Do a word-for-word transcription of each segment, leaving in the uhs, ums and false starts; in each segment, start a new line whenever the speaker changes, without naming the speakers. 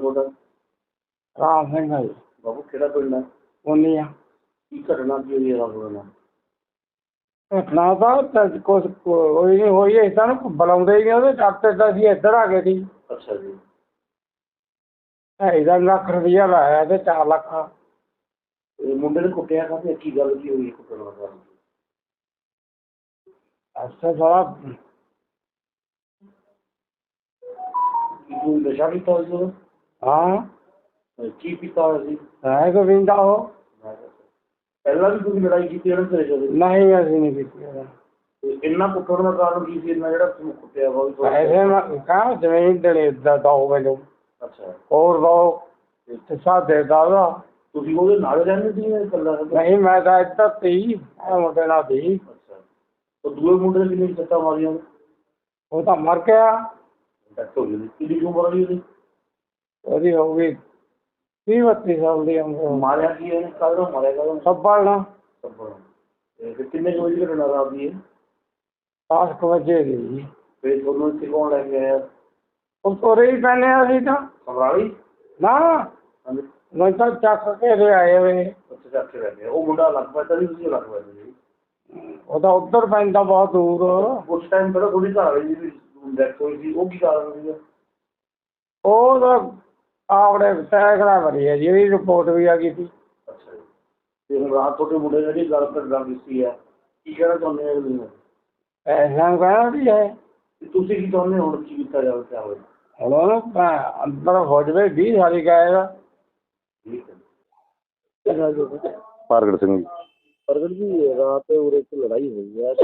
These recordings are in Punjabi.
ਤੁਹਾਡਾ?
ਰਾਮ ਸਿੰਘ ਹੈ ਜੀ।
ਬਾਬੂ ਕਿਹੜਾ ਪਿੰਡ ਹੈ?
ਉਨੀ ਆ।
ਕੀ ਘਟਨਾ ਕੀ ਹੋਈ ਹੈ ਰਾਤ ਨੂੰ?
ਘਟਨਾ ਤਾਂ ਕੁਛ ਕੋਈ ਨਹੀਂ ਹੋਈ, ਏਦਾਂ ਨੂੰ ਬੁਲਾਉਂਦੇ ਹੀ ਨਹੀਂ ਉਹਦੇ ਡਾਕਟਰ ਤਾਂ ਅਸੀਂ ਇੱਧਰ ਆ ਗਏ ਸੀ।
ਅੱਛਾ ਜੀ।
ਢਾਈ ਦਾ ਲੱਖ ਰੁਪਈਆ ਲਾਇਆ ਤੇ ਚਾਰ ਲੱਖ।
ਇਹ ਮੁੰਡੇ ਨੇ ਕੁੱਟਿਆ ਕਾਹਤੇ? ਕੀ ਗੱਲ ਕੀ ਹੋਈ ਕੁੱਟਣ ਦਾ ਕਾਰਨ?
ਅੱਛਾ ਸਾਰਾ
ਕੀ ਨਸ਼ਾ ਕੀਤਾ ਹੋਇਆ ਸੀ ਉਹਨੇ?
ਹਾਂ।
ਕੀ ਪੀਤਾ ਹੋਇਆ ਸੀ?
ਹੈ ਗੋਵਿੰਦਾ ਉਹ।
ਪਹਿਲਾਂ ਵੀ ਤੁਸੀਂ ਲੜਾਈ ਕੀਤੀ ਇਹਨਾਂ ਤੇਰੇ ਕੋਲ?
ਨਹੀਂ ਅਸੀਂ ਨਹੀਂ ਕੀਤੀ।
ਇੰਨਾ ਕੁੱਟਣ ਦਾ ਕਾਰਨ ਕੀ ਸੀ? ਇੰਨਾ ਜਿਹੜਾ ਤੁਹਾਨੂੰ ਕੁੱਟਿਆ ਵਾ?
ਪੈਸੇ ਮੈਂ ਕਹਾਂ ਜ਼ਮੀਨ ਦੇਣੇ ਦਾ ਦੋ ਮੈਨੂੰ।
ਅੱਛਾ।
ਹੋਰ ਦੋ ਤੇ ਸਾਡੇ ਦਾ।
ਤੁਸੀਂ ਉਹਦੇ ਨਾਲ ਰਹਿੰਦੇ ਸੀ ਜਾਂ ਇਕੱਲਾ?
ਨਹੀਂ ਮੈਂ ਤਾਂ ਇੱਧਰ ਤੀ ਮੁੰਡੇ ਨਾਲ ਸੀ।
ਅੱਛਾ। ਉਹ ਦੂਏ ਮੁੰਡੇ ਨੇ ਕਿੰਨੀ ਸੱਟਾਂ ਮਾਰੀਆਂ?
ਉਹ ਤਾਂ ਮਰ ਗਿਆ।
ਡੈਥ ਹੋ ਗਈ। ਕਿੰਨੀ ਉਮਰ ਆ ਉਹਦੀ?
ਉਹਦੀ ਹੋ ਗਈ ਤੀਹ ਬੱਤੀ ਸਾਲ ਦੀ ਉਮਰ।
ਮਾਰਿਆ ਕੀ ਇਹਨੇ? ਕਾਹਦਾ ਮਾਰਿਆ? ਕਾਹਦਾ?
ਸੱਬਲ ਨਾਲ।
ਸੱਬਲ। ਤੇ ਕਿੰਨੇ ਕੁ ਵਜੇ ਘਟਨਾ ਰਾਤ ਦੀ ਹੈ?
ਦਸ ਕੁ ਵਜੇ ਦੀ ਜੀ।
ਫਿਰ ਤੁਹਾਨੂੰ ਇੱਥੇ ਕੌਣ ਲੈ ਕੇ ਆਇਆ?
ਉਹ ਤੁਰੇ ਹੀ ਪੈਂਦੇ ਅਸੀਂ ਤਾਂ।
ਸਮਰਾਲੀ?
ਨਾ
ਹਾਂਜੀ।
ਮੈਂ ਤਾਂ ਚੱਕ ਕੇ ਦੇ ਆਏ ਹੋਏ।
ਅੱਛਾ ਚੱਕ ਕੇ ਲੈ ਕੇ। ਉਹ ਮੁੰਡਾ ਅਲੱਗ ਪੈਂਦਾ ਸੀ, ਤੁਸੀਂ ਅਲੱਗ ਪੈਂਦੇ ਸੀ?
ਉਹ ਤਾਂ ਉੱਧਰ ਪੈਂਦਾ ਬਹੁਤ ਦੂਰ।
ਉਸ ਟਾਈਮ ਪਹਿਲਾਂ ਥੋੜੀ ਘਰ ਵਾਲੀ ਦੀ ਡੈਥ ਹੋਈ ਸੀ, ਉਹ ਕੀ ਕਾਰਨ ਸੀਗਾ?
ਉਹ ਤਾਂ ਆਪਣੇ ਸੈਕੜਾ ਭਰੀ ਹੈ ਜੀ, ਇਹਦੀ ਰਿਪੋਰਟ ਵੀ ਆ ਗਈ ਸੀ।
ਅੱਛਾ ਜੀ। ਤੇ ਹੁਣ ਰਾਤ ਤੁਹਾਡੇ ਮੁੰਡੇ ਨੇ ਜਿਹੜੀ ਗੱਲ ਗੱਲ ਕੀਤੀ ਹੈ, ਕੀ ਕਹਿਣਾ ਚਾਹੁੰਦੇ ਹੋ ਤੁਸੀਂ?
ਐਸਾ ਕਹਿਣਾ ਵੀ ਹੈ।
ਤੁਸੀਂ ਕੀ ਚਾਹੁੰਦੇ ਹੋ ਹੁਣ ਕੀ ਕੀਤਾ ਜਾਵੇ? ਕਿਆ ਹੋਵੇ?
ਹੁਣ ਉਹਨੂੰ ਅੰਦਰ ਹੋ ਜਾਵੇ ਵੀਹ ਸਾਲੀ ਗਾਏਗਾ।
ਠੀਕ ਹੈ।
ਪ੍ਰਗਟ ਸਿੰਘ ਜੀ।
ਪ੍ਰਗਟ ਜੀ, ਰਾਤ ਉਰੇ ਇੱਕ ਲੜਾਈ ਹੋਈ ਹੈ,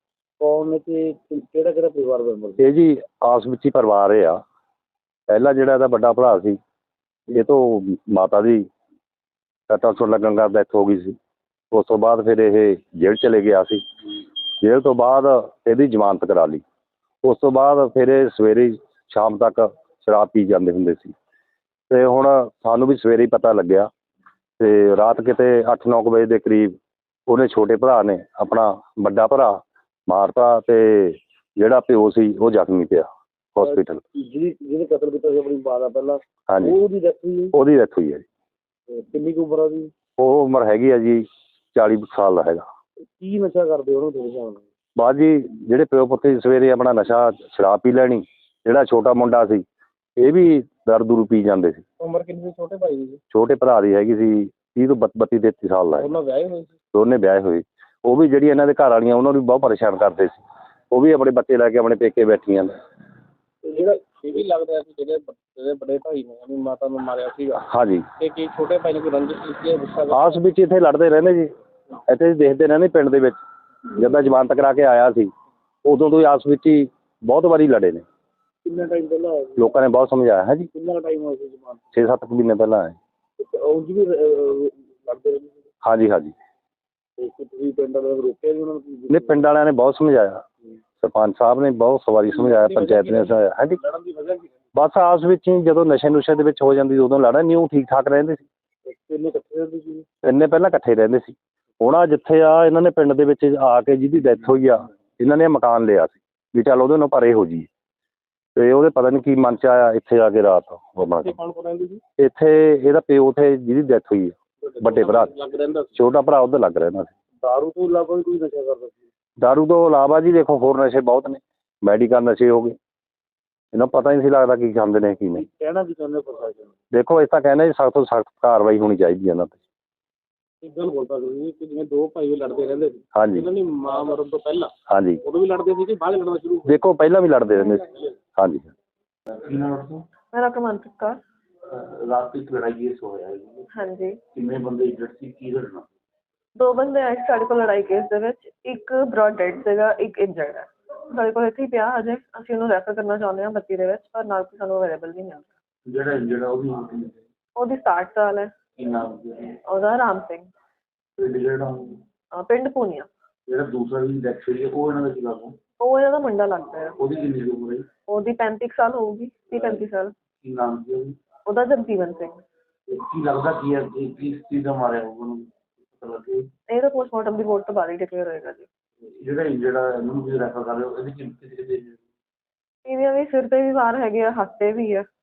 ਕੌਣ ਤੇ ਕਿਹੜਾ ਕਿਹੜਾ ਪਰਿਵਾਰ ਮੈਂਬਰ?
ਇਹ ਜੀ ਆਸ ਵਿੱਚ ਹੀ ਪਰਿਵਾਰ ਇਹ ਆ। ਪਹਿਲਾਂ ਜਿਹੜਾ ਇਹਦਾ ਵੱਡਾ ਭਰਾ ਸੀ, ਇਹ ਤੋਂ ਮਾਤਾ ਦੀ ਸੱਟਾਂ ਸੁੱਟ ਲੱਗਣ ਦਾ ਡੈਥ ਹੋ ਗਈ ਸੀ। ਉਸ ਤੋਂ ਬਾਅਦ ਫਿਰ ਇਹ ਜੇਲ੍ਹ ਚਲੇ ਗਿਆ ਸੀ। ਜੇਲ੍ਹ ਤੋਂ ਬਾਅਦ ਇਹਦੀ ਜ਼ਮਾਨਤ ਕਰਾ ਲਈ। ਉਸ ਤੋਂ ਬਾਅਦ ਫਿਰ ਇਹ ਸਵੇਰੇ ਸ਼ਾਮ ਤੱਕ ਸ਼ਰਾਬ ਪੀ ਜਾਂਦੇ ਹੁੰਦੇ ਸੀ। ਅਤੇ ਹੁਣ ਸਾਨੂੰ ਵੀ ਸਵੇਰੇ ਹੀ ਪਤਾ ਲੱਗਿਆ ਅਤੇ ਰਾਤ ਕਿਤੇ ਅੱਠ ਨੌ ਕੁ ਵਜੇ ਦੇ ਕਰੀਬ ਉਹਨੇ ਛੋਟੇ ਭਰਾ ਨੇ ਆਪਣਾ ਵੱਡਾ ਭਰਾ ਮਾਰਤਾ ਅਤੇ ਜਿਹੜਾ ਪਿਓ ਸੀ ਉਹ ਜ਼ਖਮੀ ਪਿਆ ਹੋਸਪੀਟਲ।
ਜਿਹਦੀ ਜਿਹਨੇ ਕਤਲ ਕੀਤਾ ਸੀ ਆਪਣੀ ਮਾਂ ਦਾ ਪਹਿਲਾਂ?
ਹਾਂਜੀ।
ਉਹਦੀ ਡੈਥ ਹੋਈ?
ਉਹਦੀ ਡੈਥ ਹੋਈ ਹੈ ਜੀ।
ਕਿੰਨੀ ਕੁ ਉਮਰ ਆ ਉਹਦੀ?
ਉਹ ਉਮਰ ਹੈਗੀ ਆ ਜੀ ਚਾਲੀ ਸਾਲ ਦਾ ਹੈਗਾ।
ਕੀ ਨਸ਼ਾ ਕਰਦੇ ਉਹਨੂੰ ਤੁਹਾਡੇ ਹਿਸਾਬ ਨਾਲ?
ਬਾਅਦ ਜੀ ਜਿਹੜੇ ਪਿਓ ਪੁੱਤ ਸਵੇਰੇ ਆਪਣਾ ਨਸ਼ਾ ਸ਼ਰਾਬ ਪੀ ਲੈਣੀ। ਜਿਹੜਾ ਛੋਟਾ ਮੁੰਡਾ ਸੀ ਇਹ ਵੀ ਦਾਰੂ ਦੂਰੂ ਪੀ ਜਾਂਦੇ ਸੀ।
ਉਮਰ ਕਿੰਨੀ ਸੀ ਛੋਟੇ ਭਾਈ ਦੀ?
ਛੋਟੇ ਭਰਾ ਦੀ ਹੈਗੀ ਸੀ ਤੀਹ ਤੋਂ ਬੱਤੀ ਤੇਤੀ ਸਾਲ ਦਾ ਹੈ।
ਉਹਨਾਂ ਵਿਆਹੇ ਹੋਏ ਸੀ?
ਦੋਨੇ ਵਿਆਹੇ ਹੋਏ। ਉਹ ਵੀ ਜਿਹੜੀ ਇਹਨਾਂ ਦੇ ਘਰ ਵਾਲੀਆਂ ਉਹਨਾਂ ਨੂੰ ਵੀ ਬਹੁਤ ਪਰੇਸ਼ਾਨ ਕਰਦੇ ਸੀ। ਉਹ ਵੀ ਆਪਣੇ ਬੱਚੇ ਲੈ ਕੇ ਆਪਣੇ ਪੇਕੇ ਬੈਠੀਆਂ ਨੇ।
ਜਿਹੜਾ ਇਹ ਵੀ ਲੱਗਦਾ ਸੀ ਜਿਹੜੇ ਜਿਹੜੇ ਵੱਡੇ ਭਾਈ ਨੇ ਆਪਣੀ ਮਾਤਾ ਨੂੰ ਮਾਰਿਆ ਸੀਗਾ।
ਹਾਂਜੀ।
ਤੇ ਕੀ ਛੋਟੇ ਭਾਈ ਨੇ ਕੋਈ ਰੰਜਿਸ਼ ਕੀਤੀ ਹੈ? ਗੁੱਸਾ?
ਆਸ ਵਿੱਚ ਇੱਥੇ ਲੜਦੇ ਰਹਿੰਦੇ ਜੀ। ਇੱਥੇ ਦੇਖਦੇ ਰਹਿੰਦੇ ਪਿੰਡ ਦੇ ਵਿੱਚ। ਜਦੋਂ ਜ਼ਮਾਨਤ ਕਰਾ ਕੇ ਆਇਆ ਸੀ ਉਦੋਂ ਤੋਂ ਹੀ ਆਸ ਵਿੱਚ ਹੀ ਬਹੁਤ ਵਾਰੀ ਲੜੇ ਨੇ।
ਕਿੰਨਾ ਟਾਈਮ ਪਹਿਲਾਂ ਹੋਇਆ ਸੀ?
ਲੋਕਾਂ ਨੇ ਬਹੁਤ ਸਮਝਾਇਆ ਹੈ ਜੀ।
ਕਿੰਨਾ ਟਾਈਮ ਹੋਇਆ ਸੀ ਜ਼ਮਾਨਤ?
ਛੇ ਸੱਤ ਮਹੀਨੇ ਪਹਿਲਾਂ ਆਏ।
ਉਂਝ ਵੀ ਲੜਦੇ ਰਹਿੰਦੇ ਸੀ?
ਹਾਂਜੀ ਹਾਂਜੀ।
ਤੇ ਤੁਸੀਂ ਪਿੰਡ ਵਾਲਿਆਂ ਨੂੰ ਰੋਕਿਆ ਜੀ ਉਹਨਾਂ ਨੂੰ?
ਨਹੀਂ, ਪਿੰਡ ਵਾਲਿਆਂ ਨੇ ਬਹੁਤ ਸਮਝਾਇਆ। ਸਰਪੰਚ ਸਾਹਿਬ ਨੇ ਬਹੁਤ ਸਵਾਰੀ ਸਮਝਾਇਆ, ਪੰਚਾਇਤ ਨੇ ਸਮਝਾਇਆ। ਹਾਂਜੀ।
ਲੜਨ ਦੀ ਵਜ੍ਹਾ ਕੀ?
ਬਸ ਆਸ ਵਿੱਚ ਹੀ ਜਦੋਂ ਨਸ਼ੇ ਨੁਸ਼ੇ ਦੇ ਵਿੱਚ ਹੋ ਜਾਂਦੀ ਉਦੋਂ ਲੜਾ ਨਹੀਂ। ਉਹ ਠੀਕ ਠਾਕ ਰਹਿੰਦੇ ਸੀ।
ਕਿੰਨੇ ਇਕੱਠੇ ਰਹਿੰਦੇ ਸੀ?
ਇੰਨੇ ਪਹਿਲਾਂ ਇਕੱਠੇ ਰਹਿੰਦੇ ਸੀ। ਹੁਣ ਆ ਜਿੱਥੇ ਆ ਇਹਨਾਂ ਨੇ ਪਿੰਡ ਦੇ ਵਿੱਚ ਆ ਕੇ ਜਿਹਦੀ ਡੈਥ ਹੋਈ ਆ ਇਹਨਾਂ ਨੇ ਮਕਾਨ ਲਿਆ ਸੀ ਵੀ ਚੱਲ ਉਹਦੇ ਨਾਲ ਪਰੇ ਹੋ ਜੀ। ਅਤੇ ਉਹਦੇ ਪਤਾ ਨਹੀਂ ਕੀ ਮਨ 'ਚ ਆਇਆ ਇੱਥੇ ਆ ਕੇ ਰਾਤ ਆਪਣਾ।
ਕੌਣ ਕੌਣ ਰਹਿੰਦੇ ਸੀ
ਇੱਥੇ? ਇਹਦਾ ਪਿਓ ਉੱਥੇ ਜਿਹਦੀ ਡੈਥ ਹੋਈ ਆ ਵੱਡੇ ਭਰਾ।
ਲੱਗ ਰਹਿੰਦਾ ਸੀ?
ਛੋਟਾ ਭਰਾ ਉੱਧਰ ਲੱਗ ਰਹਿੰਦਾ ਸੀ।
ਦਾਰੂ ਤੋਂ ਇਲਾਵਾ ਵੀ ਕੋਈ ਨਸ਼ਾ ਕਰਦਾ ਸੀ?
ਦਾਰੂ ਤੋਂ ਇਲਾਵਾ ਜੀ ਦੇਖੋ ਹੋਰ ਨਸ਼ੇ ਬਹੁਤ ਨੇ। ਮੈਡੀਕਲ ਨਸ਼ੇ ਹੋ ਗਏ। ਇਹਨਾਂ ਨੂੰ ਪਤਾ ਹੀ ਨਹੀਂ ਸੀ ਲੱਗਦਾ ਕੀ ਖਾਂਦੇ ਨੇ ਕੀ ਨਹੀਂ।
ਕਹਿਣਾ ਕੀ ਚਾਹੁੰਦੇ ਪ੍ਰਸ਼ਾਸਨ?
ਦੇਖੋ ਇਸ ਤਾਂ ਕਹਿੰਦੇ ਜੀ ਸਖਤ ਤੋਂ ਸਖਤ ਕਾਰਵਾਈ ਹੋਣੀ ਚਾਹੀਦੀ ਹੈ ਇਹਨਾਂ 'ਤੇ।
ਇੱਕ ਗੱਲ ਬੋਲਦਾ ਤੁਸੀਂ ਕਿ ਜਿਵੇਂ ਦੋ ਭਾਈ ਵੀ ਲੜਦੇ ਰਹਿੰਦੇ ਸੀ।
ਹਾਂਜੀ।
ਇਹਨਾਂ ਦੀ ਮਾਂ ਮਰਨ ਤੋਂ ਪਹਿਲਾਂ
ਹਾਂਜੀ।
ਉਦੋਂ ਵੀ ਲੜਦੇ ਸੀ ਕਿ ਬਾਅਦ ਲੜਨਾ ਸ਼ੁਰੂ?
ਦੇਖੋ ਪਹਿਲਾਂ ਵੀ ਲੜਦੇ ਰਹਿੰਦੇ ਸੀ। ਹਾਂਜੀ।
ਮੇਰਾ ਕਮੰਤ ਕੌਰ।
ਰਾਤ ਇੱਕ ਲੜਾਈ ਕੇਸ ਹੋਇਆ ਹੈ?
ਹਾਂਜੀ।
ਕਿੰਨੇ ਬੰਦੇ ਇੰਜਰਡ ਸੀ? ਕੀ ਲੜਨਾ?
ਦੋ ਬੰਦੇ ਆਏ ਸੀ ਸਾਡੇ ਕੋਲ ਲੜਾਈ ਕੇਸ ਦੇ ਵਿੱਚ। ਇੱਕ ਬ੍ਰੌਡ ਡੈਡ ਸੀਗਾ, ਇੱਕ ਇੰਜਰਡ ਹੈ। ਸਾਡੇ ਕੋਲ ਇੱਥੇ ਹੀ ਪਿਆ ਅਜੇ। ਅਸੀਂ ਉਹਨੂੰ ਰੈਫਰ ਕਰਨਾ ਚਾਹੁੰਦੇ ਹਾਂ ਬੱਤੀ ਦੇ ਵਿੱਚ, ਪਰ ਨਾਲ ਕੋਈ ਸਾਨੂੰ ਅਵੇਲੇਬਲ ਨਹੀਂ ਮਿਲ ਰਿਹਾ।
ਜਿਹੜਾ ਇੰਜਰਡ ਆ ਉਹਦੀ ਉਮਰ ਕਿੰਨੀ?
ਉਹਦੀ ਸਤਾਹਠ ਸਾਲ ਹੈ।
ਕੀ ਨਾਮ ਹੈ
ਉਹਦਾ? ਰਾਮ ਸਿੰਘ।
ਪਿੰਡ ਜਿਹੜਾ
ਅਹ ਪਿੰਡ ਪੂਨੀਆ।
ਜਿਹੜਾ ਦੂਸਰਾ ਵੀ ਡੈਥ ਹੋਈ ਹੈ ਉਹ ਇਹਨਾਂ ਦਾ ਕੀ ਲੱਗਦਾ?
ਉਹ ਇਹਨਾਂ ਦਾ ਮੁੰਡਾ ਲੱਗਦਾ ਹੈ।
ਉਹਦੀ ਕਿੰਨੀ ਕੁ ਉਮਰ ਹੈ?
ਉਹਦੀ ਪੈਂਤੀ ਕੁ ਸਾਲ ਹੋਊਗੀ, ਤੀਹ ਪੈਂਤੀ ਸਾਲ।
ਕੀ ਨਾਮ ਸੀ ਉਹਦੀ?
ਉਹਦਾ ਜਗਜੀਵਨ ਸਿੰਘ।
ਕੀ ਲੱਗਦਾ ਕੀ ਹੈ ਕਿ ਕਿਸ ਚੀਜ਼ ਦਾ ਮਾਰਿਆ ਹੋਊਗਾ ਉਹਨੂੰ? ਪਤਾ ਲੱਗੇ?
ਇਹ ਤਾਂ ਪੋਸਟਮਾਰਟਮ ਰਿਪੋਰਟ ਤੋਂ ਬਾਅਦ ਹੀ ਡਿਕਲੇਅਰ ਹੋਏਗਾ ਜੀ।
ਜਿਹੜਾ ਇੰਜਰਡ ਆ ਇਹਨੂੰ ਵੀ ਰੈਫਰ ਕਰ ਰਹੇ ਹੋ, ਇਹਦੀ ਕਿੰਨੀ ਕਿਤੇ ਕਿਤੇ?
ਇਹਦੀਆਂ ਵੀ ਸਿਰ 'ਤੇ ਵੀ ਵਾਰ ਹੈਗੇ ਆ, ਹੱਥ 'ਤੇ ਵੀ ਆ।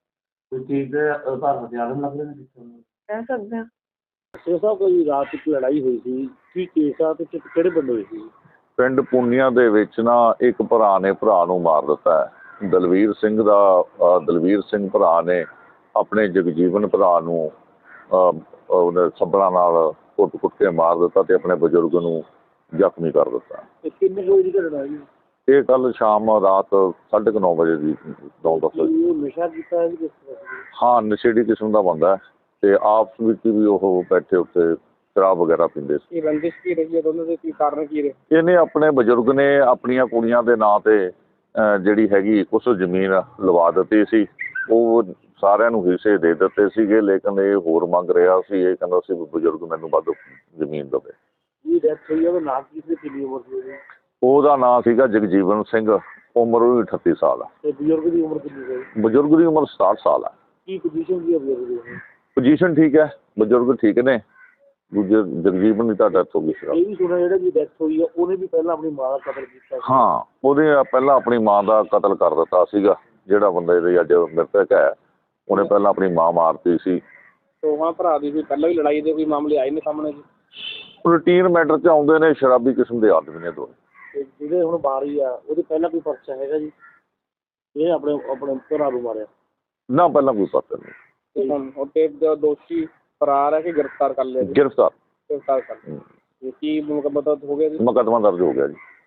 ਕੋਈ ਚੀਜ਼ ਦੇ ਆਧਾਰ ਹਥਿਆਰ ਲੱਗ ਰਹੇ ਨੇ
ਕਹਿ ਸਕਦੇ ਹਾਂ।
ਸੇ ਸਾਹਿਬ ਕੋਈ ਰਾਤ ਇੱਕ ਲੜਾਈ ਹੋਈ ਸੀ ਕੀ ਕੇਸ ਆ ਤੇ ਕਿ- ਕਿਹੜੇ ਪਿੰਡ ਹੋਈ ਸੀ?
ਪਿੰਡ ਪੁੰਨੀਆਂ ਦੇ ਵਿੱਚ ਨਾ ਇੱਕ ਭਰਾ ਨੇ ਭਰਾ ਨੂੰ ਮਾਰ ਦਿੱਤਾ ਹੈ। ਦਲਵੀਰ ਸਿੰਘ ਦਾ ਅ, ਦਲਵੀਰ ਸਿੰਘ ਭਰਾ ਨੇ ਆਪਣੇ ਜਗਜੀਵਨ ਭਰਾ ਨੂੰ ਅ, ਉਹਨੇ ਸੱਬਲਾਂ ਨਾਲ ਕੁੱਟ ਕੁੱਟ ਕੇ ਮਾਰ ਦਿੱਤਾ ਤੇ ਆਪਣੇ ਬਜ਼ੁਰਗ ਨੂੰ ਜ਼ਖਮੀ ਕਰ ਦਿੱਤਾ।
ਤੇ ਕਿੰਨੇ ਕੁ ਵਜੇ ਦੀ ਘਟਨਾ ਜੀ?
ਇਹ ਕੱਲ ਸ਼ਾਮ ਰਾਤ ਸਾਢੇ ਕੁ ਨੌ ਵਜੇ ਦੀ ਨੌ ਦਸ ਵਜੇ।
ਕੀ ਉਹ ਨਸ਼ਾ ਕੀਤਾ ਹੈ ਜੀ ਕਿਸ ਤਰ੍ਹਾਂ ਸੀ?
ਹਾਂ, ਨਸ਼ੇੜੀ ਕਿਸਮ ਦਾ ਬੰਦਾ ਹੈ ਤੇ ਆਪਸ ਵਿੱਚ ਵੀ ਉਹ ਬੈਠੇ ਉੱਤੇ ਸ਼ਰਾਬ ਵਗੈਰਾ ਪੀਂਦੇ ਸੀ।
ਇਹ ਰੰਜਿਸ਼ ਕੀ ਰਹੀ ਹੈ ਦੋਨਾਂ ਦੇ, ਕੀ ਕਾਰਨ ਕੀ ਰਹੇ?
ਇਹਨੇ ਆਪਣੇ ਬਜ਼ੁਰਗ ਨੇ ਆਪਣੀਆਂ ਕੁੜੀਆਂ ਦੇ ਨਾਂ ਤੇ ਅਹ, ਜਿਹੜੀ ਹੈਗੀ ਕੁਛ ਜ਼ਮੀਨ ਲਵਾ ਦਿੱਤੀ ਸੀ। ਉਹ ਸਾਰਿਆਂ ਨੂੰ ਹਿੱਸੇ ਦੇ ਦਿੱਤੇ ਸੀਗੇ, ਲੇਕਿਨ ਇਹ ਹੋਰ ਮੰਗ ਰਿਹਾ ਸੀ। ਇਹ ਕਹਿੰਦਾ ਸੀ ਵੀ ਬਜ਼ੁਰਗ ਮੈਨੂੰ ਵੱਧ ਜ਼ਮੀਨ ਦੇਵੇ।
ਜੀ ਡੈਥ ਹੋਈ ਆ ਉਹਦਾ ਨਾਮ ਕੀ ਸੀ, ਕਿੰਨੀ ਉਮਰ ਸੀ ਉਹਦੀ?
ਉਹਦਾ ਨਾਂ ਸੀਗਾ ਜਗਜੀਵਨ ਸਿੰਘ, ਉਮਰ ਉਹਦੀ ਅਠੱਤੀ ਸਾਲ ਆ।
ਤੇ ਬਜ਼ੁਰਗ ਦੀ ਉਮਰ ਕਿੰਨੀ ਸੀ?
ਬਜ਼ੁਰਗ ਦੀ ਉਮਰ ਸਤਾਹਠ ਸਾਲ ਆ।
ਕੀ ਪੋਜੀਸ਼ਨ ਸੀ ਬਜ਼ੁਰਗ ਦੀ?
ਪੋਜੀਸ਼ਨ ਠੀਕ ਹੈ, ਬਜ਼ੁਰਗ ਠੀਕ ਨੇ। ਦੂਜੇ ਜਗਜੀਵਨ ਦੀ ਤਾਂ ਡੈਥ ਹੋ ਗਈ ਸੀ।
ਇਹ ਵੀ ਸੁਣਿਆ ਜਿਹੜਾ ਜੀ ਡੈਥ ਹੋਈ ਆ ਉਹਨੇ ਵੀ ਪਹਿਲਾਂ ਆਪਣੀ ਮਾਂ ਦਾ ਕਤਲ ਕੀਤਾ ਸੀ।
ਹਾਂ, ਉਹਦੇ ਪਹਿਲਾਂ ਆਪਣੀ ਮਾਂ ਦਾ ਕਤਲ ਕਰ ਦਿੱਤਾ ਸੀਗਾ। ਜਿਹੜਾ ਬੰਦਾ ਇਹਦੇ ਅੱਜ ਮ੍ਰਿਤਕ ਹੈ ਉਹਨੇ ਪਹਿਲਾਂ ਆਪਣੀ ਮਾਂ ਮਾਰਤੀ ਸੀ।
ਦੋਵਾਂ ਭਰਾ ਦੀ ਕੋਈ ਪਹਿਲਾਂ ਵੀ ਲੜਾਈ ਦੇ ਕੋਈ ਮਾਮਲੇ ਆਏ ਨੇ ਸਾਹਮਣੇ ਜੀ?
ਰੂਟੀਨ ਮੈਟਰ 'ਚ ਆਉਂਦੇ ਨੇ, ਸ਼ਰਾਬੀ ਕਿਸਮ ਦੇ ਆਦਮੀ ਨੇ ਦੋਵੇਂ।
ਤੇ ਜਿਹੜੇ ਹੁਣ ਬਾਰੀ ਆ ਉਹਦੇ ਪਹਿਲਾਂ ਕੋਈ ਪਰਚਾ ਹੈਗਾ ਜੀ? ਇਹ ਆਪਣੇ ਆਪਣੇ ਭਰਾ ਨੂੰ ਮਾਰਿਆ?
ਨਾ, ਪਹਿਲਾਂ ਕੋਈ ਪਤਾ ਨਹੀਂ।
ਤੇ ਹੁਣ ਉਹਦੇ ਜੋ ਦੋਸ਼ੀ ਫਰਾਰ ਹੈ ਕਿ ਗ੍ਰਿਫਤਾਰ ਕਰ ਲਿਆ ਜੀ?
ਗ੍ਰਿਫਤਾਰ
ਗ੍ਰਿਫਤਾਰ ਕਰ ਲਿਆ। ਇਹ ਕੀ ਮੁਕੱਦਮਾ ਹੋ ਗਿਆ ਜੀ?
ਮੁਕੱਦਮਾ ਦਰਜ ਹੋ ਗਿਆ ਜੀ।